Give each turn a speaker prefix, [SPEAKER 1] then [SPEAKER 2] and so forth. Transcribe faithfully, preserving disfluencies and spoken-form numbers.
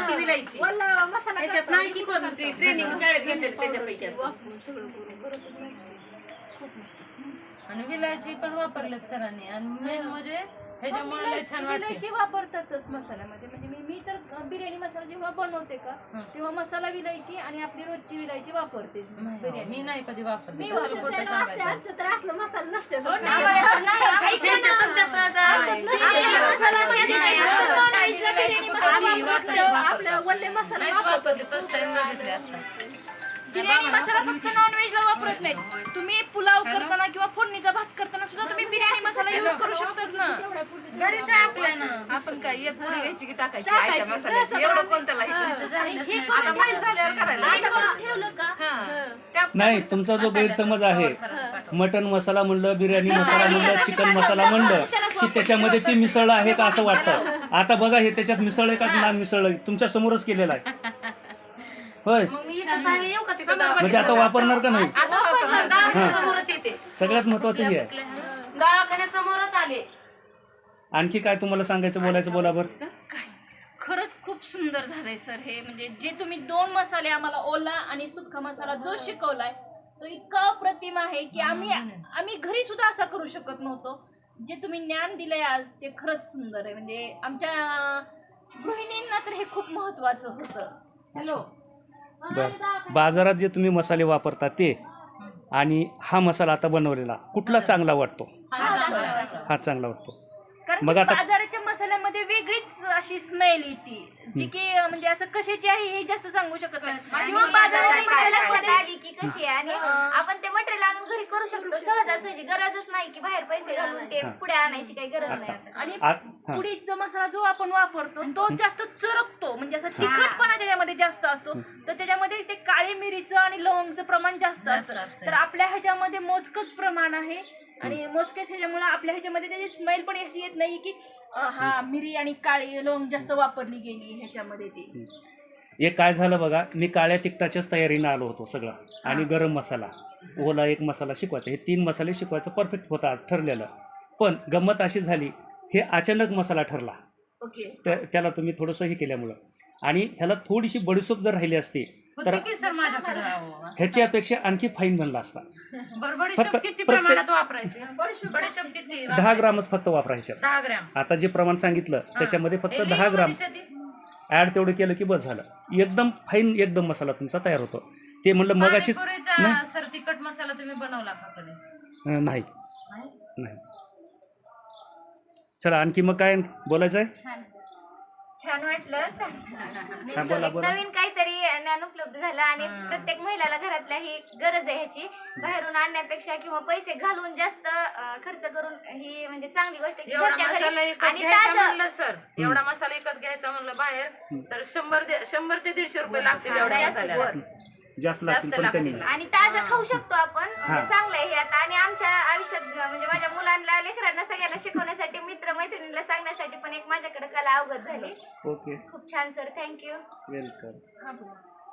[SPEAKER 1] मोठी विलायची
[SPEAKER 2] वल्ला मसाला
[SPEAKER 1] त्याच्यात नाही की कोण ट्रेनिंग शाळेत घेतलेलं त्याच्यापैकी असं.
[SPEAKER 2] सगळं करून घरातच माहिती. खूप मस्त.
[SPEAKER 3] आणि विलायची पण वापरलेत सरांनी आणि मेन म्हणजे ह्याच्यामुळे लय छान वाटते.
[SPEAKER 2] विलायची वापरतातच मसाल्यामध्ये म्हणजे मी मी तर बिर्याणी मसाला जेव्हा बनवते का तेव्हा मसाला विलायची आणि आपली रोजची विलायची वापरते बिर्याणी.
[SPEAKER 3] मी नाही कधी वापरते.
[SPEAKER 2] मी
[SPEAKER 3] कशाला खोटं सांगायचं.
[SPEAKER 2] आमच्या तर असलं मसाला नसते आपलं वल्ले मसाला वापरतो. बिर्याणी मसाला फक्त नॉनव्हेजला वापरत नाही. तुम्ही पुलाव करताना किंवा फोडणीचा भात करताना सुद्धा तुम्ही बिर्याणी मसाला यूज करू शकतात ना.
[SPEAKER 3] घरीच आहे आपल्या ना.
[SPEAKER 1] आपण काय एक पुडी घ्यायची की टाकायची आयत्या मसाल्याची एवढं कोणत्याला आता माहित झाल्यावर करायला
[SPEAKER 2] ठेवलं का
[SPEAKER 4] नाही, तुमचा जो गैरसमज आहे, मटन मसाला म्हणलं, बिर्याणी मसाला म्हणलं, चिकन मसाला म्हणलं की त्याच्यामध्ये ते मिसळलं आहे का असं वाटतं. आता बघा हे त्याच्यात मिसळलं का ना मिसळलं तुमच्या समोरच केलेलं आहे. होय, म्हणजे आता वापरणार का नाही. सगळ्यात महत्वाचं हे आहे.
[SPEAKER 1] दवाखान्यासमोरच आले.
[SPEAKER 4] आणखी काय तुम्हाला सांगायचं बोलायचं बोला बरं.
[SPEAKER 2] खरंच खूप सुंदर झालंय सर हे. म्हणजे जे तुम्ही दोन मसाले आम्हाला ओला आणि सुक्का मसाला जो शिकवलाय तो इतका अप्रतिम आहे की आम्ही आम्ही घरी सुद्धा असा करू शकत नव्हतो. जे तुम्ही ज्ञान दिलंय आज ते खरंच सुंदर आहे. म्हणजे आमच्या गृहिणींना तर हे खूप महत्वाचं होतं. हॅलो,
[SPEAKER 4] बरं, बाजारात जे तुम्ही मसाले वापरता ते आणि हा मसाला आता बनवलेला कुठला चांगला वाटतो. हा चांगला वाटतो.
[SPEAKER 2] कारण
[SPEAKER 4] मग
[SPEAKER 2] की
[SPEAKER 4] आता
[SPEAKER 2] बाजाराच्या मसाल्यामध्ये वेगळीच अशी स्मेल येते जी की म्हणजे असं कशाची आहे हे जास्त सांगू शकत नाही. किंवा बाजाराच्या
[SPEAKER 5] लक्षात आली की कशी आहे आणि आपण ते मटेरियल आणून घरी करू शकतो सहजासहजी. गरजच नाही की बाहेर पैसे घालून ते पुढे आणायची काही गरज नाही.
[SPEAKER 2] आणि पुडीचा मसाला जो आपण वापरतो तो जास्त चरकतो म्हणजे असं तिखटपणा त्याच्यामध्ये जास्त असतो. तर त्याच्यामध्ये ते काळी मिरीचं आणि लवंगचं प्रमाण जास्त असतं. तर आपल्या ह्याच्यामध्ये मोजकच प्रमाण आहे आणि मोजकेच ह्याच्यामुळे आपल्या ह्याच्यामध्ये त्याची स्मेल पण अशी येत नाही की हा मिरी आणि काळी लवंग जास्त वापरली गेली ह्याच्यामध्ये. ती
[SPEAKER 4] एक काय झालं बघा, मी काळ्या तिखटाच्याच तयारीनं आलो होतो सगळं आणि गरम मसाला ओला एक मसाला शिकवायचा, हे तीन मसाले शिकवायचं परफेक्ट होतं आज ठरलेलं. पण गंमत अशी झाली हे अचानक मसाला ठरला.
[SPEAKER 2] ओके,
[SPEAKER 4] तर त्याला तुम्ही थोडंसं हे केल्यामुळं आणि ह्याला थोडीशी बडीशोप जर राहिली असती तर
[SPEAKER 3] सर माझ्याकडे
[SPEAKER 4] ह्याची अपेक्षा आणखी फाईन बनला असता.
[SPEAKER 3] बडीशोप किती प्रमाणात वापरायची. बडीशोप किती
[SPEAKER 4] दहा ग्रामच फक्त वापरायच्या.
[SPEAKER 3] दहा ग्रॅम.
[SPEAKER 4] आता जे प्रमाण सांगितलं त्याच्यामध्ये फक्त दहा ग्राम ऍड तेवढं केलं की बस झालं. एकदम फाईन एकदम मसाला तुमचा तयार होतो. ते म्हणलं मग अशी
[SPEAKER 3] सर तिखट मसाला तुम्ही बनवला का कधी.
[SPEAKER 4] नाही नाही. चला आणखी मग काय बोलायचं आहे.
[SPEAKER 5] छान वाटलं.
[SPEAKER 4] बोला, बोला.
[SPEAKER 5] नवीन काहीतरी ज्ञान उपलब्ध झालं आणि प्रत्येक महिलाला घरातल्या ही गरज आहे ह्याची. बाहेरून आणण्यापेक्षा किंवा पैसे घालून जास्त खर्च करून ही म्हणजे चांगली गोष्ट आहे.
[SPEAKER 3] एवढा मसाला विकत घ्यायचा म्हणलं सर, एवढा मसाला विकत घ्यायचा म्हणलं बाहेर तर शंभर शंभर ते दीडशे रुपये लागतील एवढ्या मसाल्याला.
[SPEAKER 4] जास्त लागतील पण त्यांनी
[SPEAKER 5] आणि ताजं खाऊ शकतो आपण. चांगलं आहे हे आता. आणि आमच्या आयुष्यात म्हणजे माझ्या मुलांना लेकरांना सगळ्यांना शिकवण्यासाठी मित्र मैत्रिणीला सांगण्यासाठी पण एक माझ्याकडे कला अवगत झाली.
[SPEAKER 4] ओके,
[SPEAKER 5] खूप छान सर, थँक्यू.
[SPEAKER 4] वेलकम.